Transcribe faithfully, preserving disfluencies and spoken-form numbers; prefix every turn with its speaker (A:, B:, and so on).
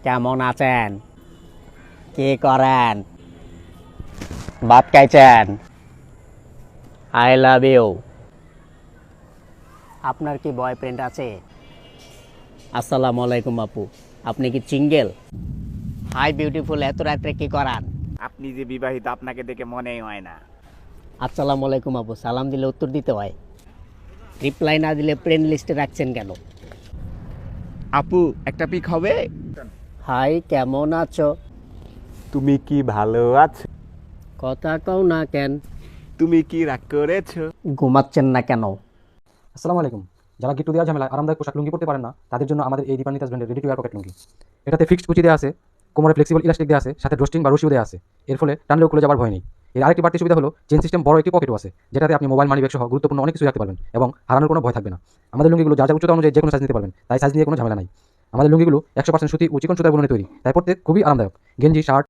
A: কেমন আছেন? কি করেন? ভাত খাইছেন? I love you. আপনার কি বয়ফ্রেন্ড আছে? আসসালামু আলাইকুম আপু, আপনি কি সিঙ্গেল? হাই বিউটিফুল, এত রাত্রে কি করান?
B: আপনি যে বিবাহিত আপনাকে দেখে মনেই হয় না।
A: আসসালামু আলাইকুম আপু, সালাম দিলে উত্তর দিতে হয়, রিপ্লাই না দিলে ফ্রেন্ড লিস্টে রাখছেন কেন?
B: আপু একটা পিক হবে?
A: হাই, কেমন আছো?
B: তুমি কি ভালো আছো?
A: কথা কও না কেন?
B: তুমি কি রাগ করেছো?
A: ঘুমাচ্ছেন না কেন?
C: আসসালামু আলাইকুম। যারা গিট্টু দেওয়ার ঝামেলায় আরামদায়ক পোশাক লুঙ্গি পড়তে পারেন না, তাদের জন্য আমাদের এই দীপান্বিতাস ব্র্যান্ডের ready to wear pocket lungi. এটাতে ফিক্সড কুচি দেওয়া আছে, কোমরে ফ্লেক্সিবল ইলাস্টিক দেওয়া আছে, সাথে ড্রস্টিং বা রশিও দেওয়া আছে। এর ফলে টানলেও খুলে যাবার ভয় নেই। এর আরেকটি বাড়তি সুবিধা হলো চেন সিস্টেম বড় একটি পকেটও আছে, যেটাতে আপনি মোবাইল মানি ব্যাগ সহ গুরুত্বপূর্ণ অনেক কিছু রাখতে পারবেন এবং হারানোর কোনো ভয় থাকবে না। আমাদের লুঙ্গিগুলো যার যার উচ্চতা অনুযায়ী যে কোনো সাইজ নিতে পারবেন, তাই সাইজ নিয়ে কোনো ঝামেলা নাই। আমাদের লুঙ্গিগুলো একশো পার্সেন্ট সুতি ও চিকন সুতার বুননে তৈরি, তাই পড়তে খুবই আরামদায়ক। গেঞ্জি, শার্ট,